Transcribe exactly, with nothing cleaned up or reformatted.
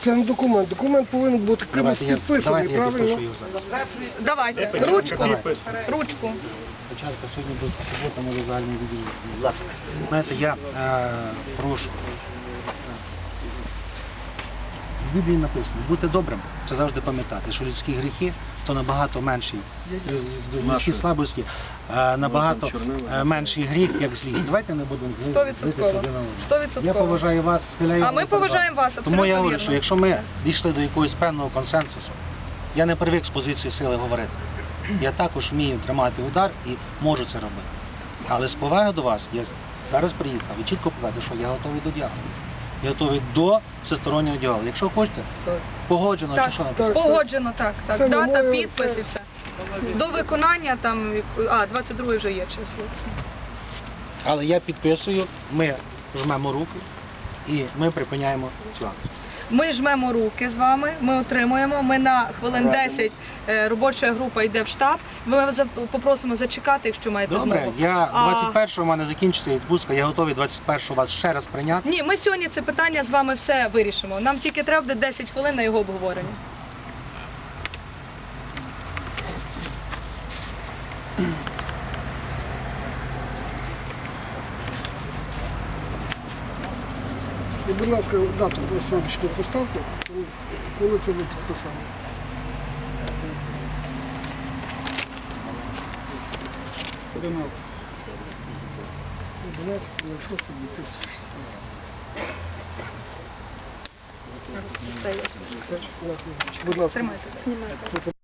Це не документ. Документ повинен бути кимось Давайте я, підписаний, давайте я правильно? підпишу його зараз. Давайте, ручку, ручку. Спочатку сьогодні буде субота, може загальний відділ. Будь ласка. Знаєте, я е, прошу. В Біблії написано, бути добрим, це завжди пам'ятати, що людські гріхи, то набагато менші, людські слабості, е, набагато е, менший гріх, як злість. Давайте не будемо злитися один на одного. Сто відсотків. Я поважаю вас, схиляю. А ми поважаємо вас, абсолютно Тому я говорю, вірно. що якщо ми дійшли до якогось певного консенсусу, я не привик з позиції сили говорити. Я також вмію тримати удар і можу це робити. Але з поваги до вас, я зараз приїхав і чітко показати, що я готовий до діалогу. Я готовий до всестороннього діалогу. Якщо хочете, погоджено, Так, чи що написано? погоджено, так, так. Це Дата, немає- підпис і все. До виконання там, а, двадцять друге вже є число. Але я підписую, ми жмемо руки і ми припиняємо цю акцію. Ми жмемо руки з вами, ми отримуємо, ми на хвилин десять, е, робоча група йде в штаб, ми вас за- попросимо зачекати, якщо маєте Добре, змогу. я А- двадцять першого в мене закінчиться відпустка, я готовий двадцять першого вас ще раз прийняти. Ні, ми сьогодні це питання з вами все вирішимо. Нам тільки треба буде десять хвилин на його обговорення. І, будь ласка, дату просрочку поставте, коли- коли це ви підписали. одинадцять. одинадцять шостого дві тисячі шістнадцятого. Все, я Все, дякую. Будь ласка. Тримайте. Це